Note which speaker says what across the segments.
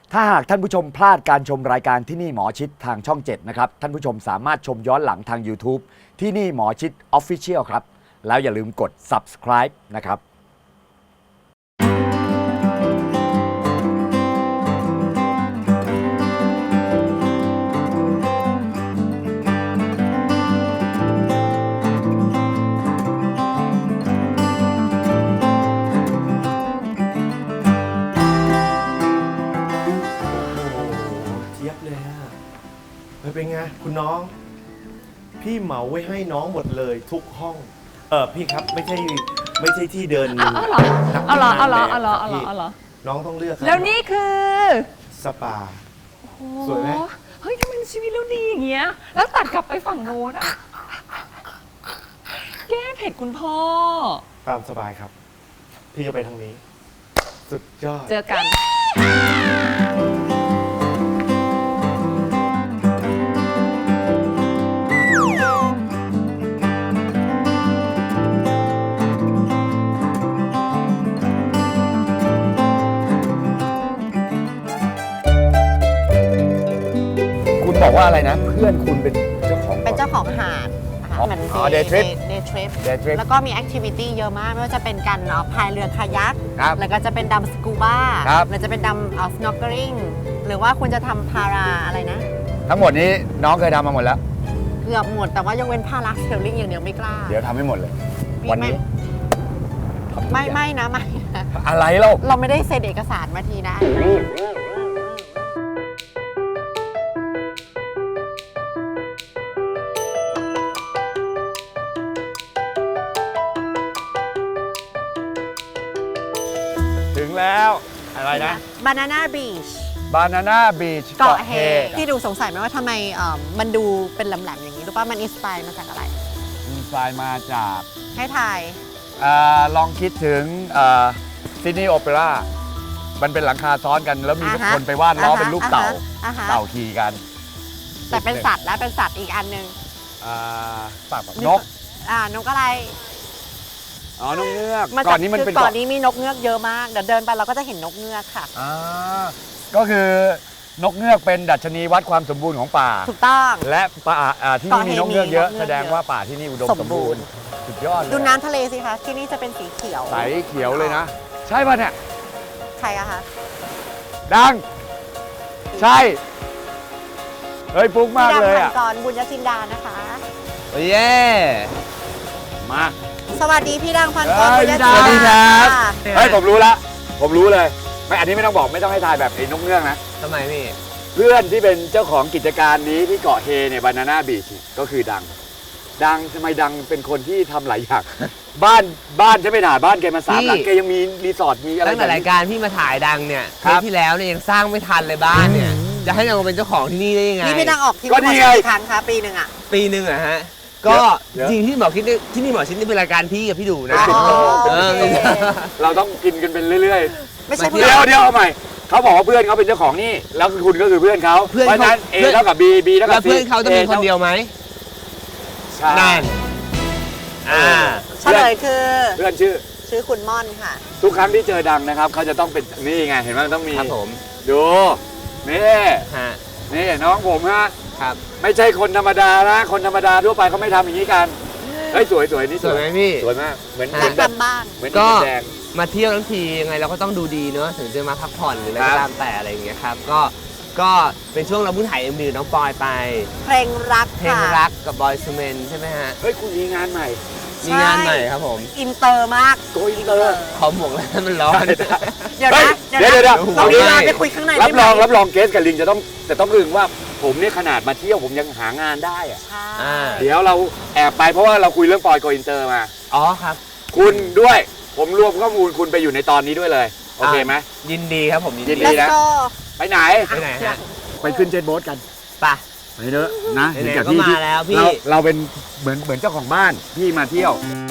Speaker 1: ถ้าหากท่านผู้ชมพลาดการชมรายการที่นี่หมอชิดทางช่อง 7 นะครับ ท่านผู้ชมสามารถชมย้อนหลังทาง YouTube ที่นี่หมอชิด Official ครับ แล้วอย่าลืมกด subscribe นะครับ
Speaker 2: เทียบเลยฮะเป็นไงคุณน้อง พี่เหมาไว้ให้น้องหมดเลยทุกห้อง พี่ครับไม่ใช่ที่เดิน
Speaker 3: เอาเหรอ
Speaker 2: น้องต้องเลือกครับ
Speaker 3: แล้วนี่คือ
Speaker 2: สปา สวยไหม
Speaker 3: เฮ้ยทำไมชีวิตเราดีอย่างเงี้ย แล้วตัดกลับไปฝั่งโน้นอะแก้เผ็ดคุณพ่อ
Speaker 2: ตามสบายครับ พี่จะไปทางนี้ สุดยอด
Speaker 3: เจอกัน
Speaker 1: คุณบอกว่าอะไรนะ เพื่อนคุณเป็นเจ้าของ
Speaker 4: เป็นเจ้าของหาดนะคะ
Speaker 1: อ๋อ
Speaker 4: เหมือน
Speaker 1: day trip
Speaker 4: day trip
Speaker 1: Day trip
Speaker 4: แล้วก็มีแอคทิวิตี้เยอะมาก ไม่ว่าจะเป็นการพายเรือคายัก
Speaker 1: ครับ
Speaker 4: แล้วก็จะเป็นดำสกูบ้า
Speaker 1: ครับ
Speaker 4: หรือจะเป็นดำsnorkeling หรือว่าคุณจะทำพาราอะไรนะ
Speaker 1: ทั้งหมดนี้น้องเคยทำมาหมดแล้ว
Speaker 4: เกือบหมดแต่ว่ายกเว้นพาราเซลลิงอย่างเดียวไม่กล้า
Speaker 1: เดี๋ยวทำให้หมดเลย
Speaker 4: มี
Speaker 1: วัน
Speaker 4: ไหม
Speaker 1: นี้ทำทุกอย่าง
Speaker 4: ไม่นะไม่นะ
Speaker 1: อะไรเล่า
Speaker 4: เราไม่ได้เซ็นเอกสารมาทีนะ
Speaker 1: ถึงแล้วอะไรนะ
Speaker 4: Banana Beach
Speaker 1: Banana Beach
Speaker 4: เกาะเฮที่ดูสงสัยไหมว่าทำไมมันดูเป็นแหลมๆอย่างนี้รู้ป่ะมันอินสไปร์มาจากอะไร
Speaker 1: อินสไตล์มาจาก
Speaker 4: ให้ทาย
Speaker 1: ลองคิดถึงซิดนีย์โอเปร่ามันเป็นหลังคาซ้อนกันแล้วมี
Speaker 4: อ่าฮะ
Speaker 1: คนไปวาดล้อเป็นรูปเต่า
Speaker 4: อ่าฮะ
Speaker 1: เต่าขี่กัน
Speaker 4: แต่เป็นสัตว์และเป็นสัตว์อีกอันหนึ่ง
Speaker 1: ปากนก
Speaker 4: นกอะไร
Speaker 1: อ๋อนกเงือก
Speaker 4: มา
Speaker 1: ก่อนนี้มันเป็น
Speaker 4: ก่อนนี้มีนกเงือกเยอะมากเดี๋ยวเดินไปเราก็จะเห็นนกเงือกค่ะ
Speaker 1: ก็คือนกเงือกเป็นดัชนีวัดความสมบูรณ์ของป่า
Speaker 4: ถูกต้อง
Speaker 1: และป่าที่นี่มีนกเงือกเยอะ
Speaker 4: เกาะเฮมีนกเงือก
Speaker 1: แสดงว่าป่าที่นี่อุดมสมบูรณ์สุดยอดเลย
Speaker 4: ดูน้ำทะเลสิคะที่นี่จะเป็นสีเขียว
Speaker 1: ใสเขียวเลยนะ ใช่ป่ะเนี่ย
Speaker 4: ใครอะคะ
Speaker 1: ดัง ใช่เฮ้ยปุ๊กมากเลย
Speaker 4: พี่
Speaker 1: อ่ะ
Speaker 4: ดำพันกรบุญยจินดานะคะ
Speaker 1: เย้มา
Speaker 4: สวัสดีพี่ดังพันกร
Speaker 1: เฮ้
Speaker 4: บุ
Speaker 1: ย
Speaker 4: ญย
Speaker 1: พี่
Speaker 4: จิ
Speaker 1: ดั
Speaker 4: น
Speaker 1: ง
Speaker 4: ดา
Speaker 1: สวัสดีครับ
Speaker 4: ค่ะ
Speaker 1: เฮ้ยผมรู้เลยไม่อันนี้ไม่ต้องบอกไม่ต้องให้ทายแบบไอ้นกเงือกนะ
Speaker 5: ทำไมพี่
Speaker 1: เพื่อนที่เป็นเจ้าของกิจการนี้ที่เกาะเฮเนี่ยบานาน่าบีชก็คือดังทำไมดังเป็นคนที่ทำหลายอย่าง บ้านใช่ไหมหนาบ้านแกมา3 หลังแกยังมีรีสอร์ทมีอะไร
Speaker 5: ตั้งแต่รายการพี่มาถ่ายดังเนี่ย
Speaker 1: ครั
Speaker 5: เท
Speaker 1: บ
Speaker 5: ปที่แล้วเนี่ยยังสร้างไม่ทันเลยบ้านเนี่ย จะให้ดังมาเป็นเจ้าของที่นี่ได้ยังไง
Speaker 4: นี่พี่ดังออกทีวี
Speaker 1: ก็นี่ไง
Speaker 4: กี่ครั้งคะปีหนึ่งอะ
Speaker 5: ปีหนึ่งอะฮะ ก็
Speaker 1: เดี๋ยว
Speaker 5: จริงที่หมอคิดนี่ที่นี่หมอชิดนี่เป็นรายการพี่กับพี่ดูนะ
Speaker 4: อ๋อ
Speaker 5: เออ
Speaker 4: โอเค
Speaker 1: เราต้องกินกันเป็นเรื่อย
Speaker 4: ไม่ใช่
Speaker 1: ๆ
Speaker 4: เพื่
Speaker 1: เดี๋
Speaker 4: อ
Speaker 1: ยวน เอาใหม่เขาบอกว่าเพื่อนเขาเป็นเจ้าของนี่แล้วคุณก็คือเพื่อนเขา
Speaker 5: เพื่อน
Speaker 1: เพราะฉะนั้น
Speaker 5: เขา
Speaker 1: A เท่ากับ B เท่า
Speaker 5: แล้
Speaker 1: กั
Speaker 5: ว
Speaker 1: บ C
Speaker 5: เพื่อนเขาจะมีคนเดียวไหม
Speaker 1: ใช่
Speaker 5: นั่นอ่า
Speaker 4: เฉลยคือ
Speaker 1: เพื่อนชื่อ
Speaker 4: ชื่อคุณม่อนค่ะ
Speaker 1: ทุกครั้งที่เจอดังนะครับเขาจะต้องเป็นนี่ไงเห็นไหมมันต้องมี
Speaker 5: ครับผม
Speaker 1: ดูนี่
Speaker 5: ฮะ
Speaker 1: นี่น้องผมฮะ
Speaker 5: ครับ
Speaker 1: ไม่ใช่คนธรรมดานะคนธรรมดาทั่วไปเขาไม่ทำอย่างนี้กันเฮ้ยสวยนี่
Speaker 5: สวยไหมพี่
Speaker 1: สวยมากเหมือน
Speaker 4: อยาก
Speaker 1: แบบ
Speaker 4: ทำบ้าง
Speaker 1: เหมือน
Speaker 5: ก็
Speaker 1: อินแดง
Speaker 5: มาเที่ยวทั้งทียังไงเราก็ต้องดูดีเนอะถึงจะมาพักผ่อนหรืออะไร
Speaker 1: ครั
Speaker 5: ก็
Speaker 1: บ
Speaker 5: ตามแต่อะไรอย่างเงี้ยครับก็เป็นช่วงเราเพิ่งถ่ายMVน้องปอยไป
Speaker 4: เพลงรัก
Speaker 5: เพลง
Speaker 4: ค่ะ
Speaker 5: รักกับบอยซูเมนใช่ไหมฮะ
Speaker 1: เฮ้ยคุณมีงานใหม่
Speaker 5: มีงานใหม่ครับผม
Speaker 4: อินเตอร์มาก
Speaker 1: โกอินเตอร์
Speaker 5: ขอหมวกแล้วมันร้อน
Speaker 4: เดี๋ยว
Speaker 1: เฮ้
Speaker 4: นะ
Speaker 1: เดี๋ยว
Speaker 4: ตรงนี้
Speaker 5: ไม่
Speaker 4: เราไปคุยข้างใน
Speaker 1: รับ
Speaker 4: ได้ไห
Speaker 1: ร
Speaker 4: ม
Speaker 1: องเกสกับลิงจะต้องอึ้งว่าผมเนี่ยขนาดมาเที่ยวผมยังหางานได้อะ
Speaker 4: ใช่
Speaker 5: อ่า
Speaker 1: เดี๋ยวเราแอบไปเพราะว่าเราคุยเรื่องปอยโกอินเตอร์มา
Speaker 5: อ๋อครับ
Speaker 1: คุณด้วยผมรวมข้อมูลคุณไปอยู่ในตอนนี้ด้วยเลยโอเคไหม
Speaker 5: ยินดีครับผมยิน
Speaker 1: ยิ
Speaker 5: ดี
Speaker 1: นดี
Speaker 4: Let's go
Speaker 1: ไปไหน
Speaker 5: ไปไหนฮะ
Speaker 1: ไปขึ้นเจ็ตโบ๊ทกัน
Speaker 5: ไป
Speaker 1: ไปเถอะนะ
Speaker 5: ไหนๆ
Speaker 1: เห็นกับ
Speaker 5: ก็
Speaker 1: พี่
Speaker 5: มาแล้วพี่
Speaker 1: เราเป็นเหมือนเจ้าของบ้านพี่มาเที่ยว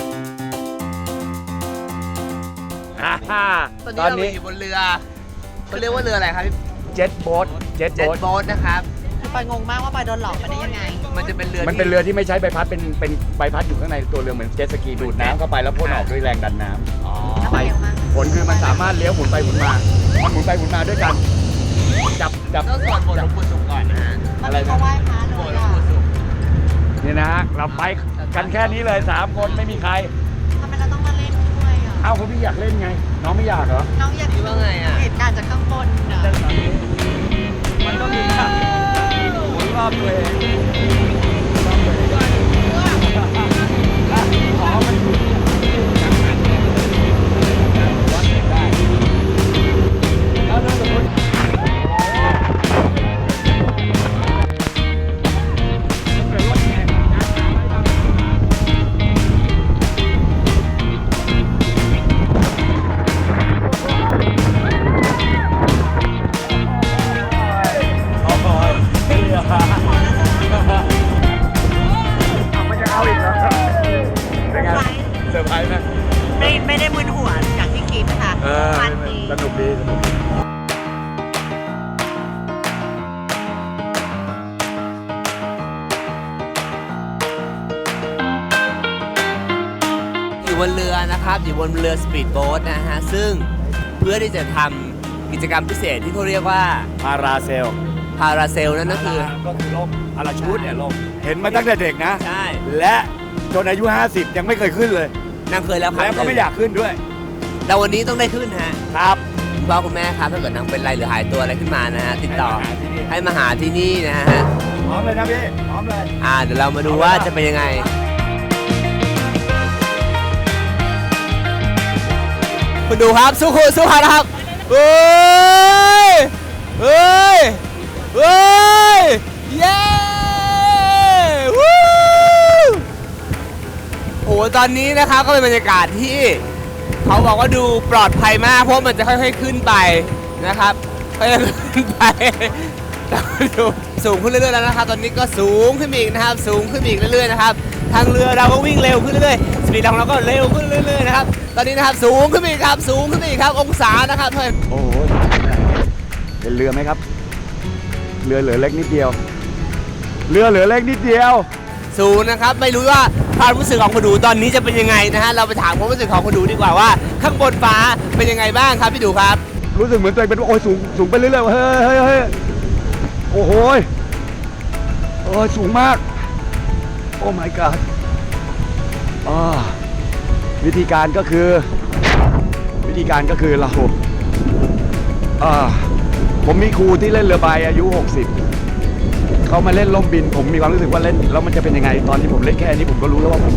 Speaker 5: ตอนนี้เราอยู่บนเรือเขาเรียกว่าเรืออะไรครับพี่
Speaker 1: เจ็ตโบ๊ท
Speaker 5: เจ็ตโบ๊ทนะครับ
Speaker 4: คือปอยงงมากว่าปอยโดนหลอกมาได้ยังไง
Speaker 5: มันจะเป็นเรือ
Speaker 1: มันเป็นเรือที่ไม่ใช้ใบพัดเป็นใบพัดอยู่ข้างในตัวเรือเหมือนเจ็ตสกีดูดน้ำเข้าไปแล้วพ่นออกด้วยแรงดันน้ำ
Speaker 5: อ๋อ
Speaker 4: แล้วไปยังไง
Speaker 1: ผลคือมันสามารถเลี้ยวหมุนไปหมุนมามันหมุนไปหมุนมาด้วยกันจับ
Speaker 5: ต้องสวดบทหลวงปู่ศุกร์ก่อนนะฮะ
Speaker 1: อะไร
Speaker 4: เขา
Speaker 1: นะ
Speaker 4: ไหว้พระเล
Speaker 5: บท
Speaker 4: ย
Speaker 5: หลวง
Speaker 4: อ่ะ
Speaker 5: ปู่ศุกร์
Speaker 1: นี่นะฮะเราไปกันแค่นี้เลย3คนไม่มีใคร
Speaker 4: ทำไมเราต้องมาเล่นด้วยอ่ะ
Speaker 1: เอ้าคุณพี่อยากเล่นไง น้องไม่อยากเหรอ
Speaker 4: น้องอยาก
Speaker 5: คิดว่าไงอ่ะ
Speaker 4: เหตุการณ์จากข้างบนอ่ะ
Speaker 1: มันต้องมีค่ะหมุนรอบตัวเองอ๋อมันอยู่จังหวัดเนี่ยวัดได้แล้วถ้าสมมติมันจะเอาอีกเหรอเป็นไงเซอร์ไพรส์ไหม
Speaker 4: ไม่ได้มึนหัวอย่างที่คิดค่ะมันดี
Speaker 1: สนุกดีสนุกดี
Speaker 5: อยู่บนเรือนะครับอยู่บนเรือสปีดโบ๊ทนะฮะซึ่งเพื่อที่จะทำกิจกรรมพิเศษที่เขาเรียกว่า
Speaker 1: พาราเซล
Speaker 5: พาราเซลนั่นก็คือ
Speaker 1: ก็คือล่มพาราชูทเนี่ยล่มเห็นมาตั้งแต่เด็กนะ
Speaker 5: ใช่
Speaker 1: และจนอายุ 50 ยังไม่เคยขึ้นเลย
Speaker 5: นางเคยแล้วครับ
Speaker 1: แล้วก็ไม่อยากขึ้นด้วย
Speaker 5: แต่วันนี้ต้องได้ขึ้นฮะ
Speaker 1: ครับ
Speaker 5: คุณพ่อคุณแม่ครับถ้าเกิดนางเป็นไรหรือหายตัวอะไรขึ้นมานะฮะติดต่อ
Speaker 1: ให้
Speaker 5: ให้มาหาที่นี่นะฮะ
Speaker 1: พร้อมเลยนะพี่พร้อมเลย
Speaker 5: เดี๋ยวเรามาดูว่าจะเป็นยังไงคุณดูครับสู้คุณสู้เขานะครับเฮ้ยเฮ้ยเฮ้ยเย้วู้โอ้โหตอนนี้นะครับก็เป็นบรรยากาศที่เขาบอกว่าดูปลอดภัยมากเพราะมันจะค่อยๆขึ้นไปนะครับค่อยๆขึ้นไปแต่ดูสูงขึ้นเรื่อยๆแล้วนะครับตอนนี้ก็สูงขึ้นอีกนะครับสูงขึ้นอีกเรื่อยๆนะครับทางเรือเราก็วิ่งเร็วขึ้นเรื่อยๆสปีดของเราก็เร็วขึ้นเรื่อยๆนะครับตอนนี้นะครับสูงขึ้นอีกครับสูงขึ้นอีกครับองศานะครับเพื่อน
Speaker 1: โอ้โหเห็นเรือไหมครับ เรือเหลือเล็กนิดเดียว เรือเหลือเล็กนิดเดียว
Speaker 5: สูงนะครับไม่รู้ว่าความรู้สึกของคุณดูตอนนี้จะเป็นยังไงนะฮะเราไปถามความรู้สึกของคุณดูดีกว่าว่าข้างบนฟ้าเป็นยังไงบ้างครับพี่ดูครับ
Speaker 1: รู้สึกเหมือนตัวเองเป็นโอ้ยสูงไปเรื่อยๆเฮ้ยเฮ้ยเฮ้ยโอ้โหสูงมาก โอ้ my god วิธีการก็คือเราผมมีครูที่เล่นเรือใบอายุ 60เขามาเล่นล่มบินผมมีความรู้สึกว่าเล่นแล้วมันจะเป็นยังไงตอนที่ผมเล่นแค่นี้ผมก็รู้แล้วว่า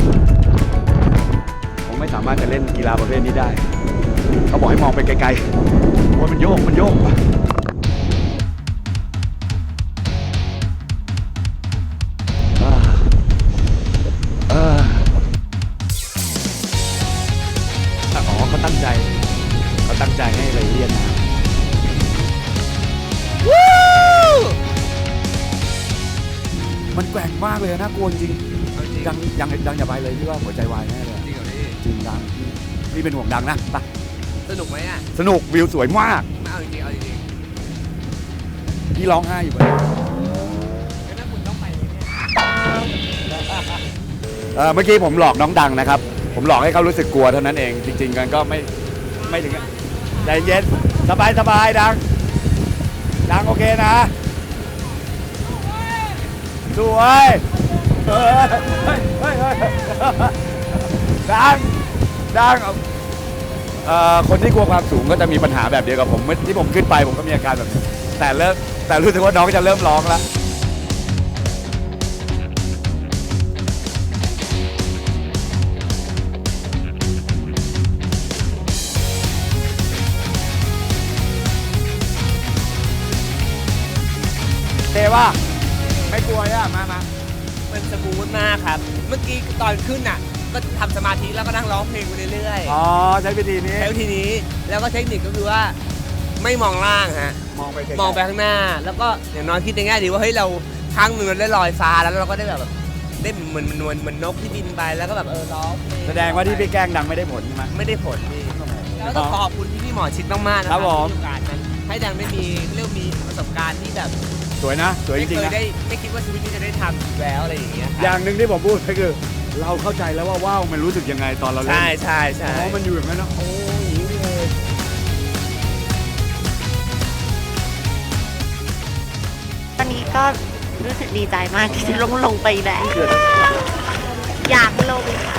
Speaker 1: ผมไม่สามารถจะเล่นกีฬาประเภทนี้ได้เขาบอกให้มองไปไกลๆโอ้ยมันโยกเขาตั้งใจให้ละเอียดนะมันแกว่งมากเลยนะกลัวจริงดังอย่าไปเลยพี่ว่าหัวใจวายแน่เลย
Speaker 5: จริงเหรอพี่
Speaker 1: จริงดังพี่เป็นห่วงดังนะไป
Speaker 5: สนุกไหมอ่ะ
Speaker 1: สนุกวิวสวยมาก
Speaker 5: ไม่เอาจริงๆเอาจริง
Speaker 1: พี่ร้องไห้อยู่เลยเมื่อกี้ผมหลอกน้องดังนะครับผมหลอกให้เขารู้สึกกลัวเท่านั้นเองจริงๆกันก็ไม่ถึงใจเย็นสบายดังโอเคนะสวยเฮ้ยดังคนที่กลัวความสูงก็จะมีปัญหาแบบเดียวกับผมที่ผมขึ้นไปผมก็มีอาการแบบนี้แต่รู้สึกว่าน้องจะเริ่มร้องแล้วเทว่าไม่กลัวเนี่ยมา
Speaker 5: มันสมูทมากครับ เมื่อกี้ตอนขึ้นอ่ะก็ทำสมาธิแล้วก็นั่งร้องเพลงไปเรื่อย
Speaker 1: อ๋อใช้วิธีนี้
Speaker 5: ๆแล้วทีนี้แล้วก็เทคนิคก็คือว่าไม่มองล่างฮะ
Speaker 1: มองไปไกลๆ
Speaker 5: มองไปข้างหน้า แล้วก็อย่างน้อยคิดในแง่ดีว่าเฮ้ยเราครั้งหนึ่งเราได้ลอยฟ้าแล้วเราก็ได้แบบได้เหมือนนกที่บินไปแล้วก็แบบร้องเพลง
Speaker 1: แสดงว่าที่พี่แกล้งดังไม่ได้ผลใช่ไหม
Speaker 5: ไม่ได้ผลพี่แล้วต้องขอบคุณพี่หมอชิดมากๆนะค
Speaker 1: ครั
Speaker 5: รับบ
Speaker 1: ผม
Speaker 5: ที่โอกาสนั้นให้ดังได้มีเรียกมีประสบการณ์ที่แบบ
Speaker 1: สวยนะสวยจ
Speaker 5: ไม่
Speaker 1: ริง
Speaker 5: เค
Speaker 1: ๆ
Speaker 5: ย
Speaker 1: นะ
Speaker 5: ได้ไม่คิดว่าชีวิตนี้จะได้ทำอีกแล้วอะไรอย่างเงี้ยครับ
Speaker 1: อย่างหนึ่งที่ผมพูดก็คือ เราเข้าใจแล้วว่าว้าวมันรู้สึกยังไงตอนเราเล่น
Speaker 5: ใช่ใช่ใช่
Speaker 1: เพราะมันอยู่อย่างนั้นนะโอ้ยอย่างนี้เลย
Speaker 4: นี้ก็รู้สึกดีใจมากที่จะลงไปแล้วอยากลงค่ะ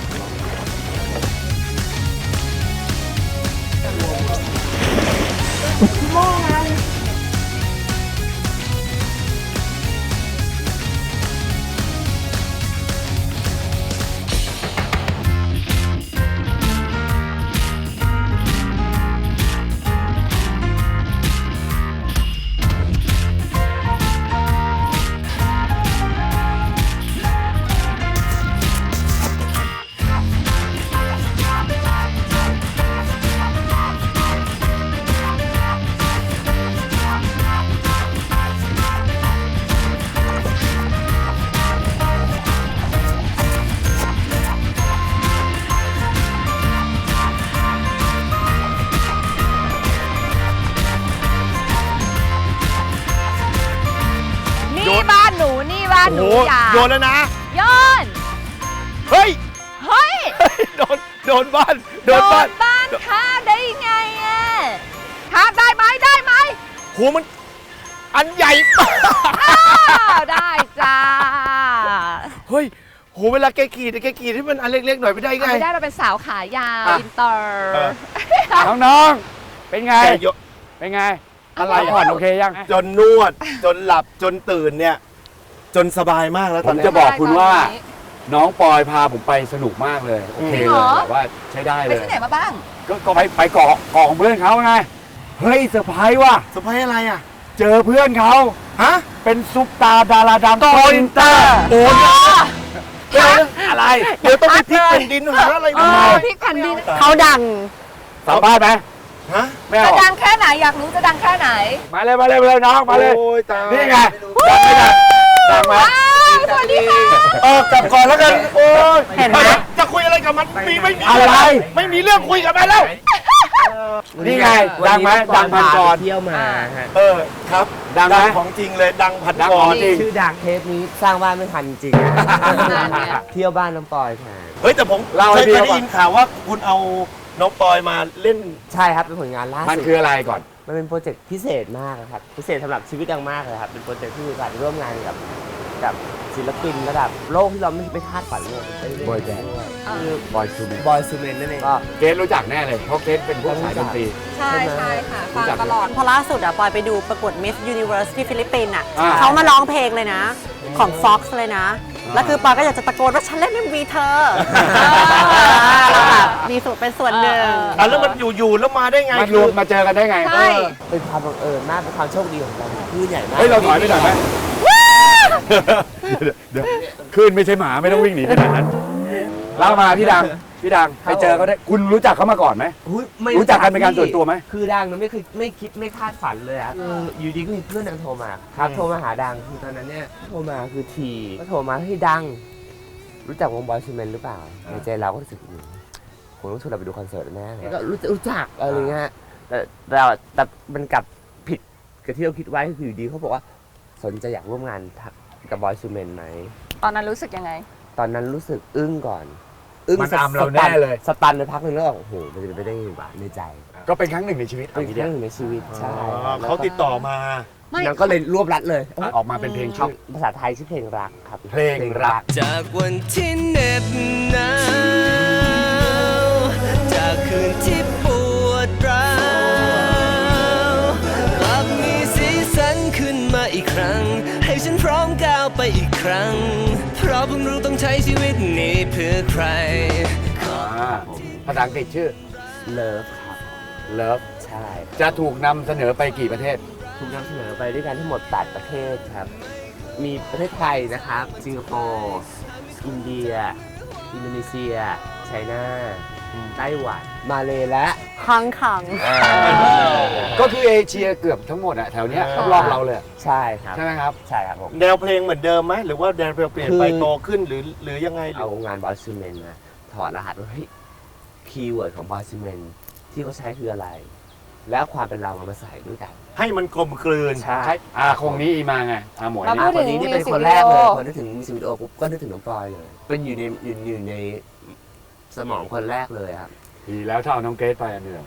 Speaker 3: นี่บ้านหนูนี่บ้านหนู
Speaker 2: โอ้โห
Speaker 3: อย่า
Speaker 2: โยนแล้วนะ
Speaker 3: โยน
Speaker 2: เฮ้ย
Speaker 3: เฮ้ย
Speaker 2: โดนบ้าน โดนบ้าน
Speaker 3: บ้านข้ามได้ไงอะข้ามได้ไหมได้ไหม
Speaker 2: โหมันอันใหญ่มาก
Speaker 3: อ้าวได้จ้า
Speaker 2: เฮ้ยโหเวลาแกขี่ที่มันอันเล็กๆหน่อยไม่ได้ไง
Speaker 3: ไม่ได้เราเป็นสาวขายาว
Speaker 2: อ่ะ
Speaker 3: อินเตอร์
Speaker 2: เออ
Speaker 1: น้องๆ เป็นไง
Speaker 2: แกโยน
Speaker 1: เป็นไง
Speaker 2: อะไร
Speaker 1: พักผ่อนโอเคยัง
Speaker 2: จนนวด จนหลับจนตื่นเนี่ย จนสบายมากแล้ว
Speaker 1: ผ
Speaker 2: ตอน
Speaker 1: ม
Speaker 2: นี้
Speaker 1: จะบอกคุณว่า น้องปอยพาผมไปสนุกมากเลย โอเคเลยแบบว่าใช้ได้
Speaker 3: ไป
Speaker 1: เลย
Speaker 3: ที่ไหนมาบ้าง
Speaker 1: ก็ไปเกาะของเพื่อนเขาไง เฮ้ยเซอร์ไพรส์ว่ะ
Speaker 2: สบายอะไรอ่ะ
Speaker 1: เจอเพื่อนเขา
Speaker 2: ฮะ
Speaker 1: เป็นซุปตาดาราดังโกอินเตอร์
Speaker 2: โอ้ย
Speaker 1: อะไร
Speaker 2: เดี๋ยวต้องไปพลิกแผ่นดินหาอะไรมา
Speaker 3: พริกแผ่นดิน
Speaker 4: เขาดัง
Speaker 1: สัมภาษณ์ไหม
Speaker 2: ฮะ
Speaker 1: ไม่
Speaker 3: จะ
Speaker 1: เอา
Speaker 3: ดังแค่ไหนอยากรู้จะดังแค่ไหน
Speaker 1: มาเลยน้องมาเลย
Speaker 2: โอ้ยตาย
Speaker 1: นี่ไงดังไม่ดังดังไหม
Speaker 3: ว้าวสวัสดีค่ะ
Speaker 2: กลับก่อนแล้วกัน โอ้ย
Speaker 4: เห็นไหม
Speaker 2: จะคุยอะไรกับมันไม่มี
Speaker 1: อะไร
Speaker 2: ไม่มีเรื่องคุยกับมันแล้ว
Speaker 1: นี่ไงดังไหมดังพันกร
Speaker 5: เที่ยวมาฮะ
Speaker 2: ครับ
Speaker 1: ดังไหม
Speaker 2: ของจริงเลยดังพัน
Speaker 1: ดัง
Speaker 2: ก
Speaker 1: ของ
Speaker 2: ร
Speaker 1: จริง
Speaker 5: ชื่อดังเทปนี้สร้างบ้านไม่ทันจริงเที่ยวบ้านน้ำปอยแทน
Speaker 2: เฮ้ยแต่ผม
Speaker 1: เล่าให้
Speaker 2: เค
Speaker 1: พี่
Speaker 2: ย
Speaker 1: ฟัง
Speaker 2: ได้ยินข่าวว่าคุณเอาน้องปอยมาเล่น
Speaker 5: ใช่ครับเป็นผลงานล่า
Speaker 1: มัน
Speaker 5: สุด
Speaker 1: คืออะไรก่อน
Speaker 5: มันเป็นโปรเจกต์พิเศษมากนะครับ พิเศษสำหรับชีวิตดังมากเลยครับ เป็นโปรเจกต์ที่มีโอกาสร่วมงานกับศิลปินระดับโลกที่เราไม่คาดฝันเลยได้เล่น
Speaker 1: บอยแบนด์
Speaker 5: ด้วย
Speaker 1: คือบอยซูเมน
Speaker 5: บอยซูเมนนั่นเองก็
Speaker 1: เกสรู้จักแน่เลย เพราะเกสเป็นพวกสายดนตรี
Speaker 3: ใช่ใช่ค่ะฟังตลอด
Speaker 4: พอล่าสุดอะปอยไปดูประกวด Miss Universe ที่ฟิลิปปินส์อะ
Speaker 1: อ่า
Speaker 4: เขามาร้องเพลงเลยนะ ของ Fox เลยนะ แล้วคือปอยก็อยากจะตะโกนว่าฉันเล่น MV เธอแล้วแบบมีส่วนเป็นส่วนหนึ่ง
Speaker 2: แล้วมันอยู่ๆแล้วมาได้ไง
Speaker 1: มันรวมมาเจอกันได้ไง
Speaker 3: ใช่
Speaker 5: เป็นความบังเอิญมาก เป็นความโชคดีของเราคลื่นใหญ่มาก
Speaker 1: เฮ้ย เราถอยไปหน่อยไหมเดี๋ยวคลื่นไม่ใช่หมาไม่ต้องวิ่งหนีขนาดนั้นเล่ามาพี่ดังไปเจอเขาได้ คุณรู้จักเขามาก่อนไหม
Speaker 5: อุ๊ยไม่
Speaker 1: รู้จักกันเป็นการส่วนตัวไหม
Speaker 5: คือดังมันไม่เคยไม่คิดไม่คาดฝันเลยอะคืออยู่ดีก็มีเพื่อนดังโทรมาครับโทรมาหาดังคือตอนนั้นเนี่ยโทรมาคือทีก็โทรมาให้ดัง รู้จักวงบอยซูเมนหรือเปล่าในใจเราก็รู้สึกผมต้องชวนเราไปดูคอนเสิร์ตแน่เลยก็รู้จักอะไรเงี้ยแต่มันกลับผิดกับที่เราคิดไว้คืออยู่ดีเขาบอกว่าสนใจอยากร่วมงานกับบอยซูเมนไหม
Speaker 3: ตอนนั้นรู้สึกยังไง
Speaker 5: ตอนนั้นรู้สึกอึ้งก่อน
Speaker 1: มันอำเราแน่เลย
Speaker 5: สตันไปพักหนึ่งแล้วโอ้โหมันจะเป็นไปได้ยังไงวะในใจ
Speaker 1: ก็เป็นครั้งหนึ่งในชีวิต
Speaker 5: เป็นเรื่องหนึ่งในชีวิตใช่
Speaker 2: เขาติดต่อมา
Speaker 5: นางก็เลยรวบรัดเลย
Speaker 1: ออกมาเป็นเพลงชื่อ
Speaker 5: ภาษาไทยชื่อเพลงรักครับ
Speaker 1: เพลงรัก
Speaker 6: จากวันที่เหน็บหนาวจากคืนที่ปวดร้าวกลับมีสีสันขึ้นมาอีกครั้ง ให้ฉันพร้อมก้าวไปอีกครั้ง เพราะเพิ่งรู้ต้องใช้ชีวิตนี้เพื่อใคร
Speaker 1: ภาษาอังกฤษชื่อ
Speaker 5: เลิฟครับ
Speaker 1: Love
Speaker 5: ใช่
Speaker 1: จะถูกนำเสนอไปกี่ประเทศ
Speaker 5: ถูกนำเสนอไปด้วยกันทั้งหมด 8 ประเทศครับ มีประเทศไทยนะครับ สิงคโปร์ อินเดีย อินโดนีเซีย ไชน่า ไต้หวัน มาเลและ
Speaker 4: ฮังขัง
Speaker 1: ก็คือเอเชียเกือบทั้งหมดอะแถวเนี้ยรอบๆเราเลย
Speaker 5: ใช่ครับ
Speaker 1: ใช่ไหมครับ
Speaker 5: ใช่ครับผม
Speaker 2: แนวเพลงเหมือนเดิมไหมหรือว่าแนวเพลงเปลี่ยนไป
Speaker 5: คือ
Speaker 2: โตขึ้นหรือยังไง
Speaker 5: เอางานบอยซูเมนมาถอดรหัสว่าเฮ้ยคีย์เวิร์ดของบอยซูเมนที่เขาใช้คืออะไร แล้วความเป็นเรามาใส่ด้วยกัน
Speaker 2: ให้มันกลมกลืน
Speaker 5: ใช่
Speaker 1: ใช่คงนี้อีมาไงหมวย
Speaker 3: เรา
Speaker 1: นี่
Speaker 3: พูดถึง
Speaker 5: คนนี้นี่เป็น
Speaker 3: music
Speaker 5: คนแรกเลย
Speaker 3: video
Speaker 5: พอนึกถึงมิวสิกวิดีโอปุ๊บก็นึกถึงน้องปอยเลย เป็นอยู่ในสมองคนแรกเลยครับ
Speaker 1: ดีแล้วถ้าเอาน้องเกรซไปอันเดียว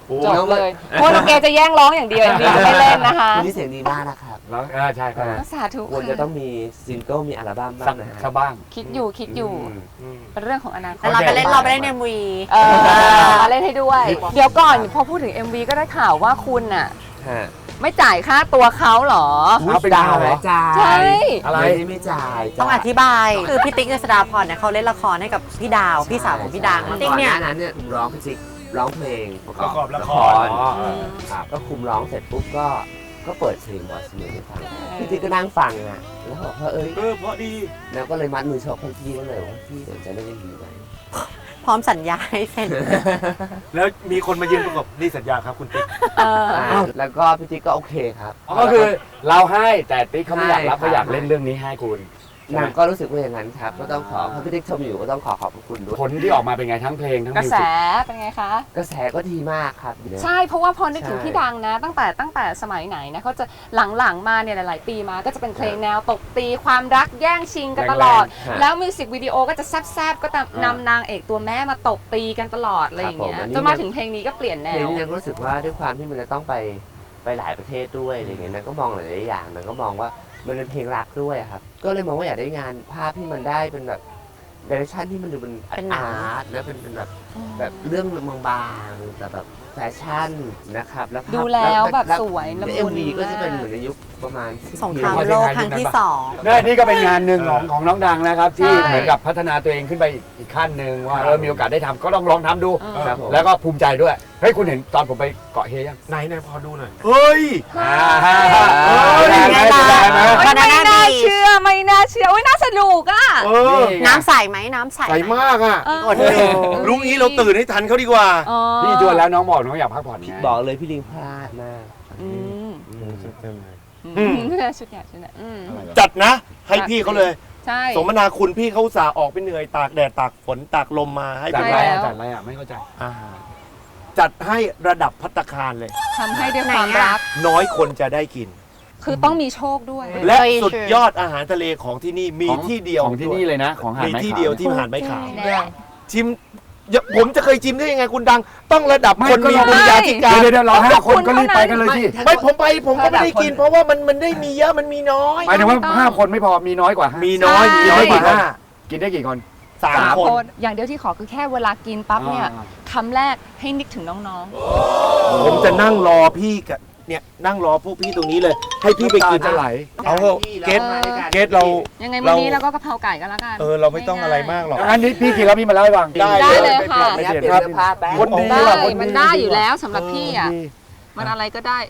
Speaker 3: จบเลยเพราะน้องเกจะแย่งร้องอย่างเดียวเอ็มวีจะไม่เล่นนะคะ
Speaker 5: คุณนี่เสียงดีมากนะครับ
Speaker 1: แล้วใช่ครับ
Speaker 3: สาธุ
Speaker 5: ควรจะต้องมีซิงเกิลมีอัลบั้มบ้างนะฮะ
Speaker 1: สักบ้าง
Speaker 3: คิดอยู่เป็นเรื่องของอนาคต
Speaker 4: แต่เราไปเล่น MV
Speaker 3: มาเล่นให้ด้วย เดี๋ยวก่อนพอพูดถึง MV ก็ได้ข่าวว่าคุณน่ะ
Speaker 5: ฮะ
Speaker 3: ไม่จ่ายค่าตัวเขาเหรอ
Speaker 1: เอาเป็นดาวเหรอ
Speaker 5: จ่าย
Speaker 3: ใช่
Speaker 1: อะไร
Speaker 5: ไม่จ่าย
Speaker 4: ต้องอธิบาย คือพี่ติ๊กเจษฎาพรเนี่ยเขาเล่นละครให้กับพี่ดาว พี่สาวของพี่ดัง
Speaker 5: ก่อน
Speaker 4: ติ๊กเนี่ย
Speaker 5: หน้านั้นเนี่ยร้องพี่จิ๊กร้องเพลงประกอบละคร ครับก็คุมร้องเสร็จปุ๊บก็เปิดเพลงบอยสมิธให้ฟังพี่จิ๊กก็นั่งฟังอ่ะแล้วบอกว่า
Speaker 2: เพราะดี
Speaker 5: แล้วก็เลยมัดมือชกให้พี่ก็เลยว่าพี่สนใจเล่นดีไหม
Speaker 4: พร้อมสัญญาให้เซ็น
Speaker 2: แล้วมีคนมายืนประกบนี่สัญญาครับคุณติ๊ก
Speaker 5: แล้วก็พี่จิ๊กก็โอเคครับ
Speaker 1: ก็คือเราให้แต่ติ๊กเขาไม่อยากรับ
Speaker 5: ใช่
Speaker 1: เขาอยากเล่นเรื่องนี้ให้คุณ
Speaker 5: นางก็รู้สึกว่าอย่างนั้นครับก็ต้องขอถ้าพี่ติ๊กชมอยู่ก็ต้องขอบคุณด้วย
Speaker 1: ผลที่ออกมาเป็นไงทั้งเพลงทั้ง
Speaker 3: กระ
Speaker 1: มิว
Speaker 3: แส
Speaker 1: สิก
Speaker 3: เป็นไงคะ
Speaker 5: กระแสก็ดีมากครับ
Speaker 3: ใช่เพราะว่าพอนึกถึง
Speaker 5: ใช่
Speaker 3: พี่ดังนะ ตั้งแต่สมัยไหนนะเขาจะหลังๆมาเนี่ยหลายๆปีมาก็จะเป็นเพลงแนวตบตีความรักแย่งชิงกันตลอด แล้วมิวสิกวิดีโอก็จะแซบๆก็นำนางเอกตัวแม่มาตบตีกันตลอดอะไรอย่างเงี้ยจนมาถึงเพลงนี้ก็เปลี่ยนแน
Speaker 5: เพลง
Speaker 3: ว
Speaker 5: นี้ยังรู้สึกว่าด้วยความที่มันจะต้องไปหลายประเทศด้วยอะไรเงี้ยนางก็มองหลายๆอย่างนางก็มองว่ามันเป็นเพลงรักด้วยครับก็เลยมองว่าอยากได้งานภาพที่มันได้เป็นแบบเดเรคชั่นที่มันดูเป็น
Speaker 4: เป็นหนัง
Speaker 5: อาร์ตแล้วเป็นแบบเรื่องบางๆแต่แบบแฟชั่นนะครับแล้วภาพ
Speaker 3: ดูแล้วแบบสวยละมุน
Speaker 5: เอ็มวีก็จะเป็นเหมือนในยุคประมาณ
Speaker 4: สงครามโลกครั้งที่
Speaker 1: นี่ก็เป็นงานหนึ่งของน้องดังนะครับ ที่
Speaker 3: ใช่
Speaker 1: เหมือนกับพัฒนาตัวเองขึ้นไปอีกขั้นหนึ่งว่ามีโอกาสได้ทำก็ต้องลองทำดู
Speaker 5: ครับผม
Speaker 1: แล้วก็ภูมิใจด้วยเฮ้ยคุณเห็นตอนผมไปเกาะเฮยัง
Speaker 2: ไหนพอดูหน่อย เฮ้ย
Speaker 1: ได้ไหมได้ไหม
Speaker 3: ไม่น่าเชื่อไม่น่าเชื่อโอ้ยน่าสนุกอ่ะ
Speaker 2: เออ
Speaker 4: 2 น้ำใสไหมน้ำใส
Speaker 2: ใสมากอ่ะ
Speaker 3: เออ
Speaker 2: ลุงนี้เราตื่นให้ทันเขาดีกว่า
Speaker 3: อ๋อ
Speaker 1: พี่ชวนแล้วน้องบอกน้องอยากพักผ่อนไง
Speaker 5: บอกเลยพี่ลิงพลาดมาก
Speaker 3: อืม
Speaker 2: อืม
Speaker 3: ชุดเนี่ยอืม
Speaker 2: จัดนะ ให้พี่เขาเลย
Speaker 3: ใช่
Speaker 2: สมนาคุณพี่เขาอุตสาห์ออกไปเหนื่อยตากแดดตากฝนตากลมมาให้
Speaker 1: จัด
Speaker 2: พี่
Speaker 1: อะไร
Speaker 2: เรา
Speaker 1: อ่ะจัดอะไรอ่ะไม่เข้าใจ
Speaker 2: อ่าจัดให้ระดับภัตตาคารเลย
Speaker 3: ทำให้ด้วยความรัก
Speaker 2: น้อยคนจะได้กิน
Speaker 3: คือต้องมีโชคด้วย
Speaker 2: และสุดยอดอาหารทะเลของที่นี่มีที่เดียว
Speaker 1: ของที่นี่เลยนะ ของหาด
Speaker 2: มี
Speaker 1: ไม้
Speaker 2: ที่
Speaker 1: ขาว
Speaker 2: เดียวที่หาดไม้ขาว
Speaker 3: แน่
Speaker 2: ชิมผมจะเคยชิมได้ยังไงคุณดัง ต้องระดับ
Speaker 1: ไม่
Speaker 2: คน
Speaker 1: ก็
Speaker 2: มี
Speaker 1: เรา
Speaker 2: บุญญาธิการ
Speaker 1: เดี๋ยวเรา5 คนก็รีบไปกันเลยที่
Speaker 2: ไม่ผมก็ไม่ได้กิน เพราะว่ามันได้มีเยอะมันมีน้อย
Speaker 1: หมายถึงว่า5 คนไม่พอมีน้อยกว่า
Speaker 2: มีน้อย
Speaker 3: ใช่
Speaker 2: มีน้อยกว่าห้า
Speaker 1: กินได้กี่คน
Speaker 2: สามคน
Speaker 3: อย่างเดียวที่ขอคือแค่เวลากินปั๊บเนี่ยคำแรกให้นึกถึงน้อง
Speaker 2: ผมจะนั่งรอพี่กับเนี่ยนั่งรอพวกพี่ตรงนี้เลย ให้พี่ไปกิน
Speaker 1: จะไหล
Speaker 2: เอาเถอะเกตเกตเรา
Speaker 3: ๆยังไงวันนี้เราก็กะเพราไก่กันแล้วกัน
Speaker 2: เราไม่ต้องอะไรมากหรอก
Speaker 1: อันนี้พี่กินแล้วพี่มาเล่าให้ฟัง
Speaker 3: ได้เลยค่ะ
Speaker 1: ไม่เสีย
Speaker 5: เปลี่ยน
Speaker 1: ภาพ
Speaker 5: เสื้อผ้าแป๊บ
Speaker 1: คนดี
Speaker 3: ได้
Speaker 1: ว่ะคนดี
Speaker 3: มันได้อยู่แล้วสำหรับพี่อ่ะมันอะไรก็ได้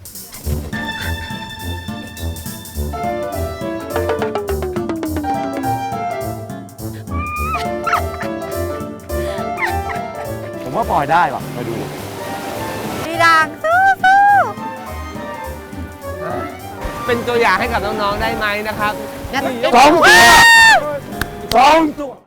Speaker 1: ผมว่าปล่อยได้ว่ะมาดู
Speaker 4: พี่ดังสู้
Speaker 5: เป็นตัวอย่างให้กับน้องๆได้ไหมนะครับ
Speaker 4: ๆงั้น
Speaker 1: 2 ตัว